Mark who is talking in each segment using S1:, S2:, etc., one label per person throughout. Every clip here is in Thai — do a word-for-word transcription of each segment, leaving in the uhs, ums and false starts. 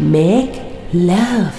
S1: Make Love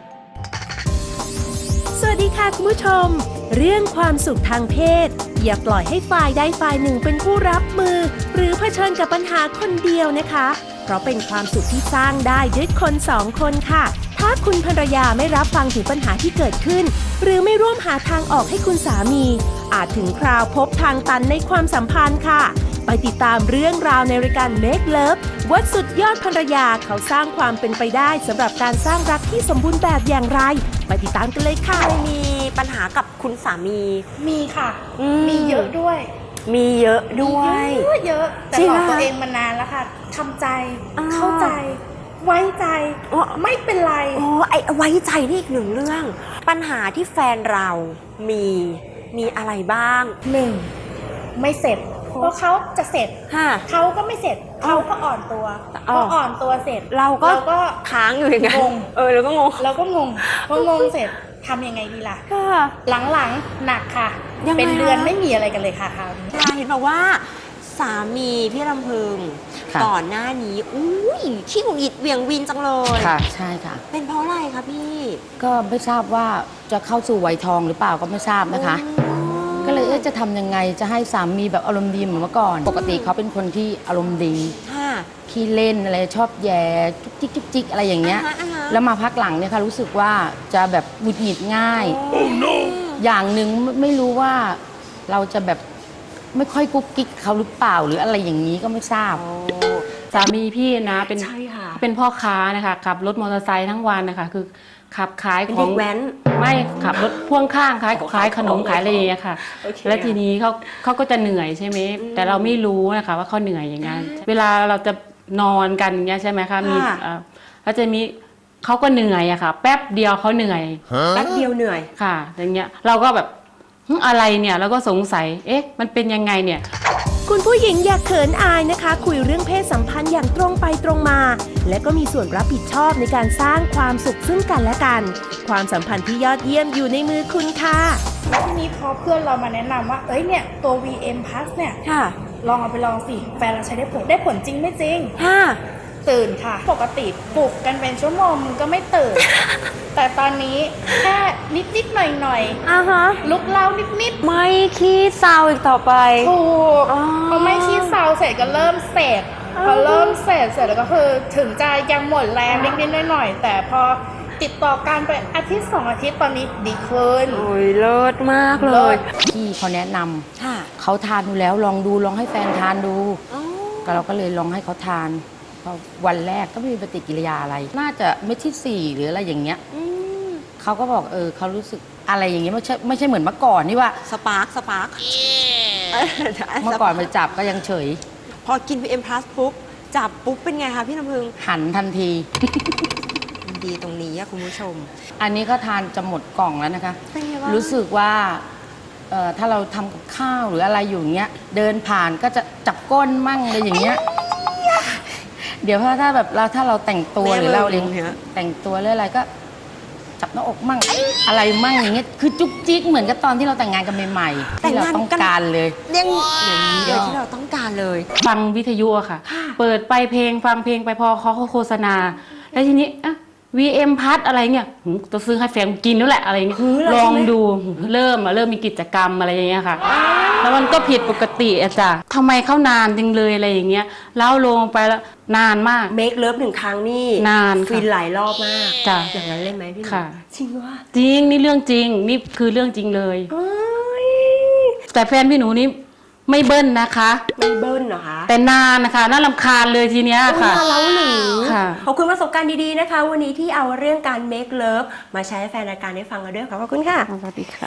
S2: สวัสดีค่ะคุณผู้ชมเรื่องความสุขทางเพศอย่าปล่อยให้ฝ่ายใดฝ่ายหนึ่งเป็นผู้รับมือหรือเผชิญกับปัญหาคนเดียวนะคะเพราะเป็นความสุขที่สร้างได้ด้วยคนสองคนค่ะถ้าคุณภรรยาไม่รับฟังถึงปัญหาที่เกิดขึ้นหรือไม่ร่วมหาทางออกให้คุณสามีอาจถึงคราวพบทางตันในความสัมพันธ์ค่ะไปติดตามเรื่องราวในรายการ Make Love ว่าสุดยอดภรรยาเขาสร้างความเป็นไปได้สำหรับการสร้างรักที่สมบูรณ์แบบอย่างไรไปติดตามกันเลยค่ะ
S3: มีปัญหากับคุณสามี
S4: มีค่ะ
S3: ม
S4: มีเยอะด้วย
S3: มีเยอะด้วย
S4: เยอะเยอะแต่หลอกตัวเองมานานแล้วค่ะทำใจเข้าใจไว้ใจไม่เป็นไร
S3: โอ้ไอ้ไว้ใจนี่อีกหนึ่งเรื่องปัญหาที่แฟนเรามีมีอะไรบ้าง
S4: หนึ่งไม่เสร็จเพราะเขาจะเสร็จเขาก็ไม่เสร็จเขาก็อ่อนตัวพออ่อนตัวเสร็จ
S3: เราก็ค้างอยู่อย่างนั้น
S4: งง
S3: เออเราก็งง
S4: เราก็งงพองงเสร็จทำยังไงดีล่ะหลังๆหนักค่ะเป็นเดือนไม่มีอะไรกันเลยค่ะคราวนี้
S3: เห็นบอกว่าสามีพี่ลำพึงก่อนหน้านี้อุ้ยขี้หงุดหงิดเวียงวินจังเลย
S5: ค่ะใช่ค่ะ
S3: เป็นเพราะอะไรคะพี่
S5: ก็ไม่ทราบว่าจะเข้าสู่วัยทองหรือเปล่าก็ไม่ทราบนะคะก็เลยเอ๊ะจะทำยังไงจะให้สามีแบบอารมณ์ดีเหมือนเมื่อก่อนปกติเขาเป็นคนที่อารมณ์ดีขี้เล่นอะไรชอบแย่จุกจิกจุกจิกอะไรอย่างเงี้ยแล้วมาพักหลังเนี่ยค่ะรู้สึกว่าจะแบบหงุดหงิดง่ายอย่างหนึ่งไม่รู้ว่าเราจะแบบไม่ค่อยกุ๊กกิ๊กเขาหรือเปล่าหรืออะไรอย่างนี้ก็ไม่ทราบ
S6: สามีพี่นะเป็นเป็นพ่อค้านะคะขับรถมอเตอร์ไซค์ทั้งวันนะคะคือขับขายของ
S3: แว้น
S6: ไม่ขับรถพ่วงข้างขายขายขนมขายอะไรอย่างเงี้ยค่ะแล้วทีนี้เขาเขาก็จะเหนื่อยใช่ไหมแต่เราไม่รู้นะคะว่าเขาเหนื่อยอย่างนั้นเวลาเราจะนอนกันอย่างเงี้ยใช่ไหมคะมีแล้วจะมีเขาก็เหนื่อยอะค่ะแป๊บเดียวเขาเหนื่อย
S3: แป๊บเดียวเหนื่อย
S6: ค่ะอย่างเงี้ยเราก็แบบอะไรเนี่ยเราก็สงสัยเอ๊ะมันเป็นยังไงเนี่ย
S2: คุณผู้หญิงอย่าเขินอายนะคะคุยเรื่องเพศสัมพันธ์อย่างตรงไปตรงมาและก็มีส่วนรับผิดชอบในการสร้างความสุขซึ่งกันและกันความสัมพันธ์ที่ยอดเยี่ยมอยู่ในมือคุณค่ะ
S4: ทีนี้พอเพื่อนเรามาแนะนำว่าเอ้ยเนี่ยตัว วี เอ็ม Plus เนี่ยลองเอาไปลองสิแฟนเราใช้ได้ผลได้ผลจริงไม่จริงตื่นค่ะปกติปลุกกันเป็นชั่วโมงมึงก็ไม่ตื่น แต่ตอนนี้แค่นิดๆหน่อยๆอ่าฮะลุกเล้านิดๆ
S3: ไม่ขี้เศร้าอีกต่อไป
S4: ถูกพอไม่ขี้เศร้าเสร็จก็เริ่มเสร็จพอเริ่มเสร็จเสร็จแล้วก็คือถึงจะยังหมดแรงนิดๆหน่อยๆแต่พอติดต่อกันไปอาทิตย์สองอาทิตย์ตอนนี้ดีขึ้น
S3: โอ้ยเลิศมากเลย
S5: พี่เขาแนะนำเขาทานดูแล้วลองดูลองให้แฟนทานดูก็เราก็เลยลองให้เขาทานวันแรกก็ไม่มีปฏิกิริยาอะไรน่าจะเม็ดที่สี่หรืออะไรอย่างเงี้ยเขาก็บอกเออเขารู้สึกอะไรอย่างเงี้ยไม่ใช่ไม่ใช่เหมือนเมื่อก่อนนี่ว่า
S3: สปาร์คสปาร์ค
S5: เมื่อก่อนไปจับก็ยังเฉย
S3: พอกิน วี เอ็ม Plus ปุ๊บจับปุ๊บเป็นไงคะพี่น้ำพึง
S5: หันทันที
S3: ดีตรงนี้คุณผู้ชม
S5: อันนี้ก็ทานจะหมดกล่องแล้วนะคะรู้สึกว่าถ้าเราทำกับข้าวหรืออะไรอยู่เงี้ยเดินผ่านก็จะจับก้นมั่งอะไรอย่างเงี้ยเดี๋ยวถ้าแบบเราถ้าเราแต่งตัวหรือเราเลี้ยงแต่งตัวหรืออะไรก็จับหน้าอกมั่งอะไรมั่งอย่างเงี้ยคือจุ๊กจิ๊กเหมือนกับตอนที่เราแต่งงานกันใหม่ๆที่เราต้องการเลย
S3: เรื่องอย่างนี้เลยที่เราต้องการเลย
S6: ฟังวิทยุอะค่ะเปิดไปเพลงฟังเพลงไปพอเขาโฆษณาแล้วทีนี้อะ วี เอ็ม Plus อะไรเงี้ยจะซื้อให้แฟนกินแล้วแหละอะไรเงี้ยลองดูเริ่มเริ่มมีกิจกรรมอะไรอย่างเงี้ยค่ะแล้วมันก็ผิดปกติอะจ้ะทำไมเข้านานจังเลยอะไรอย่างเงี้ยแล้วลงไปแล้วนานมาก
S3: เมคเลิฟหนึ่งครั้งนี่
S6: นาน
S3: ฟินหลายรอบมาก
S6: จ้ะ
S3: อย่างนั้นเลยไหมพี่
S6: ค่ะ
S3: จริงวะ
S6: จริงนี่เรื่องจริงนี่คือเรื่องจริงเลยแต่แฟนพี่หนูนี่ไม่เบิ้ลนะคะ
S3: ไม่เบิ้ลเหรอคะ
S6: แต่นานนะคะน่ารำคาญเลยทีเนี้ยค่ะ
S3: น่าเล้าหรือขอบคุณประสบการณ์ดีๆนะคะวันนี้ที่เอาเรื่องการ make love มาใช้ให้แฟนรายการได้ฟังกันด้วยขอบคุณค่ะ
S6: สวัสดีค่ะ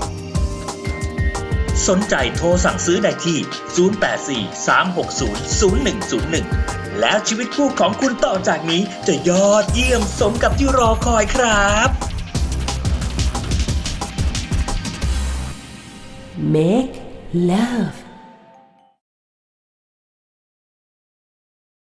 S7: สนใจโทรสั่งซื้อได้ที่ศูนย์ แปด สี่ สาม หก ศูนย์ ศูนย์ หนึ่ง ศูนย์ หนึ่งแล้วชีวิตคู่ของคุณต่อจากนี้จะยอดเยี่ยมสมกับที่รอคอยครับ
S1: Make Love